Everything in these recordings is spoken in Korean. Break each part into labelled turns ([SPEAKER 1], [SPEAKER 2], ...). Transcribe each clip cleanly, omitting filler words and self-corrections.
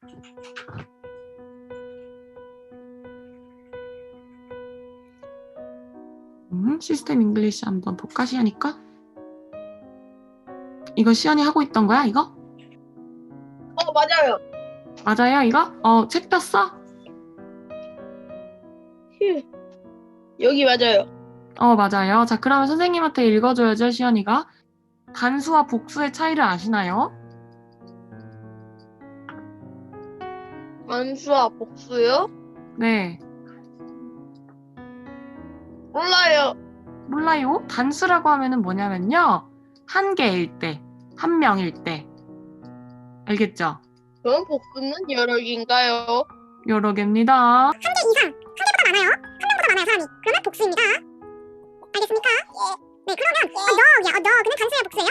[SPEAKER 1] 시스템 잉글리시 한번 볼까, 시연이 거? 이거 시연이 하고 있던 거야, 이거?
[SPEAKER 2] 맞아요.
[SPEAKER 1] 맞아요, 이거? 책 폈어?
[SPEAKER 2] 휴. 여기 맞아요.
[SPEAKER 1] 맞아요. 자, 그러면 선생님한테 읽어줘야죠, 시연이가. 단수와 복수의 차이를 아시나요?
[SPEAKER 2] 단수와 복수요?
[SPEAKER 1] 네.
[SPEAKER 2] 몰라요.
[SPEAKER 1] 몰라요? 단수라고 하면은 뭐냐면요. 한 개일 때, 한 명일 때. 알겠죠?
[SPEAKER 2] 그럼 복수는 여러 개인가요?
[SPEAKER 1] 여러 개입니다.
[SPEAKER 3] 한 개 이상, 한 개보다 많아요. 한 명보다 많아요, 사람이. 그러면 복수입니다. 알겠습니까? 예. 네, 그러면 dog이야. dog는 단수예요, 복수예요?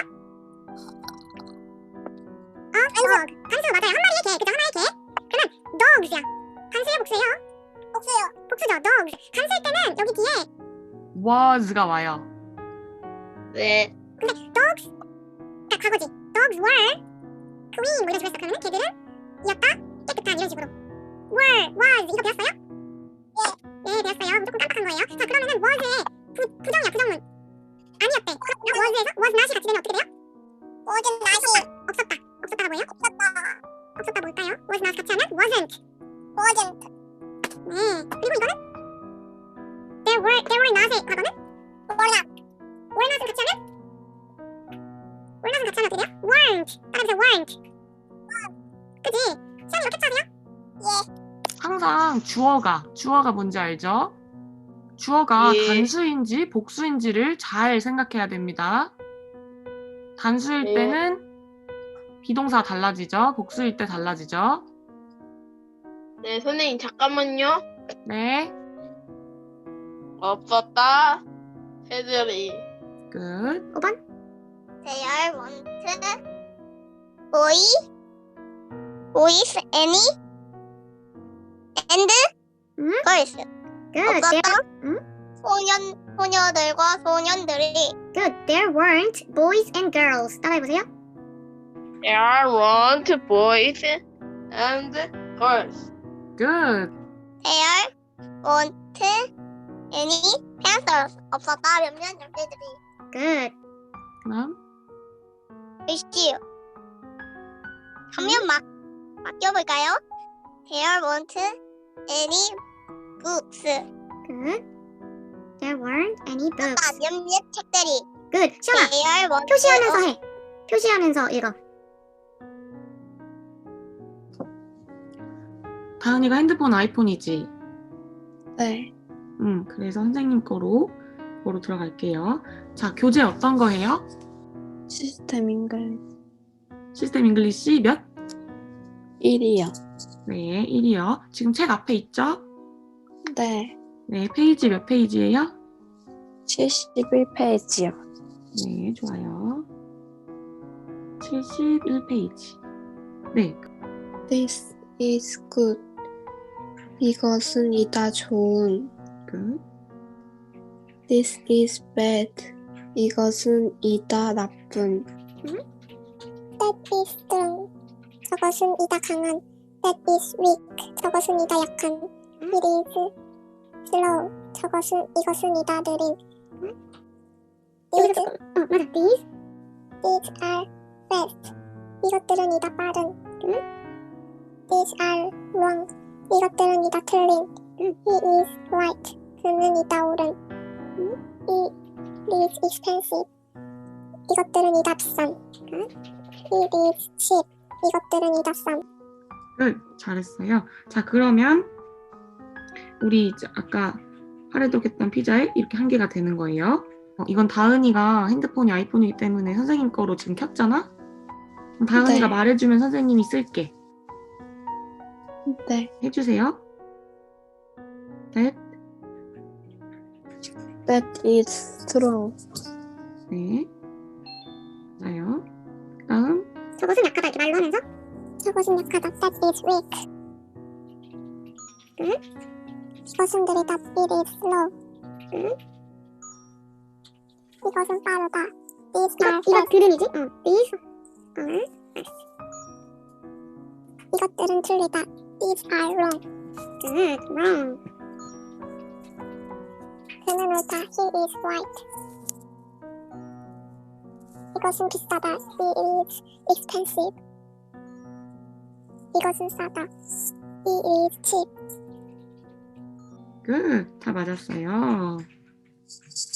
[SPEAKER 3] dog. 단수 맞아요. 한 마리의 개, 그죠? 하나의 개. 그러면 dogs야. 단수예요, 복수예요? 복수요. 복수죠, dogs. 단수일 때는 여기 뒤에
[SPEAKER 1] was가 와요.
[SPEAKER 2] 네.
[SPEAKER 3] 근데 dogs, 그러니까 과거지. dogs were clean 뭐 이런 식으로 했어. 그러면 걔들은 이었다, 깨끗한 이런 식으로. were, was 이거 배웠어요? 예, 배웠어요. 조금 깜빡한 거예요. 자, 그러면은 was의 부정이야, 부정문. 아니었대. 그럼 was에서 was not이 같이 되면 어떻게 돼요? was not이 없었다. 없었다가 뭐예요? 없었다 뭘까요? was not 같이 하면 wasn't. 네. 그리고 이거는 there were not의 과거는 were not을 같이 하면 어떻게 돼요? weren't. 따라해서 weren't. 그지? 시험이 이렇게 쳐야 돼요?
[SPEAKER 1] 항상 주어가 뭔지 알죠? 주어가
[SPEAKER 2] 예.
[SPEAKER 1] 단수인지 복수인지를 잘 생각해야 됩니다. 단수일
[SPEAKER 2] 예.
[SPEAKER 1] 때는 비동사 달라지죠? 복수일 때 달라지죠?
[SPEAKER 2] 네, 선생님 잠깐만요.
[SPEAKER 1] 네,
[SPEAKER 2] 없었다. 새들이.
[SPEAKER 1] 끝.
[SPEAKER 3] 5번.
[SPEAKER 4] There want boys, any, and girls.
[SPEAKER 3] Good.
[SPEAKER 4] 없었다.
[SPEAKER 3] 응?
[SPEAKER 4] 소녀들과 소년들이
[SPEAKER 3] Good. There weren't boys and girls. 따라해보세요.
[SPEAKER 2] There weren't boys and girls.
[SPEAKER 1] 끝.
[SPEAKER 4] There want any pencils. 없었다. 몇몇 열쇠들이
[SPEAKER 3] Good.
[SPEAKER 1] 그럼
[SPEAKER 4] 글씨요. 한면 맡겨볼까요? There want any books.
[SPEAKER 3] Good. There weren't any books.
[SPEAKER 4] 몇몇 책들이
[SPEAKER 3] Good. 시연아,
[SPEAKER 4] There want
[SPEAKER 3] 표시하면서 해. 표시하면서 읽어.
[SPEAKER 1] 다은이가 핸드폰 아이폰이지?
[SPEAKER 2] 네.
[SPEAKER 1] 그래서 선생님 거로 들어갈게요. 자, 교재 어떤 거 해요?
[SPEAKER 5] 시스템 잉글리시
[SPEAKER 1] 시스템 잉글리시 몇?
[SPEAKER 5] 1이요.
[SPEAKER 1] 네, 1이요. 지금 책 앞에 있죠?
[SPEAKER 5] 네,
[SPEAKER 1] 네, 페이지 몇 페이지예요?
[SPEAKER 5] 71페이지요.
[SPEAKER 1] 네, 좋아요. 71페이지. 네,
[SPEAKER 5] This is good. 이것은 이다 좋은.
[SPEAKER 1] 끝.
[SPEAKER 5] This is bad. 이것은 이다 나쁜.
[SPEAKER 3] That is strong. 저것은 이다 강한. That is weak. 저것은 이다 약한. It is slow. 이것은 이다 느린. These, 맞아. These are fast. 이것들은 이다 빠른. These are wrong. 이것들은 이다 틀린. He is right. 그는 이다 옳은. It is expensive. 이것들은 이다 비싼. It is cheap. 이것들은 이다 싼.
[SPEAKER 1] 끝. 잘했어요. 자, 그러면 우리 이제 아까 하려독했던 피자에 이렇게 한 개가 되는 거예요. 이건 다은이가 핸드폰이 아이폰이기 때문에 선생님 거로 지금 켰잖아? 그럼 다은이가
[SPEAKER 5] 네.
[SPEAKER 1] 말해주면 선생님이 쓸게.
[SPEAKER 5] 네,
[SPEAKER 1] 해주세요.
[SPEAKER 5] that is strong.
[SPEAKER 1] 네. 맞아요. 다음.
[SPEAKER 3] 저것은 약하다 이렇게 말로 하면서 저것은 약하다. That is weak. 이것은 느리다. It is slow. 이것은 빠르다. These are fast. 이거 들음이지? These are fast. 이것들은 틀리다. These are wrong. wrong. 그는 옳다. He is right. 이것은 비싸다. He is expensive. 이것은 싸다. He is cheap.
[SPEAKER 1] 굿. 다 맞았어요.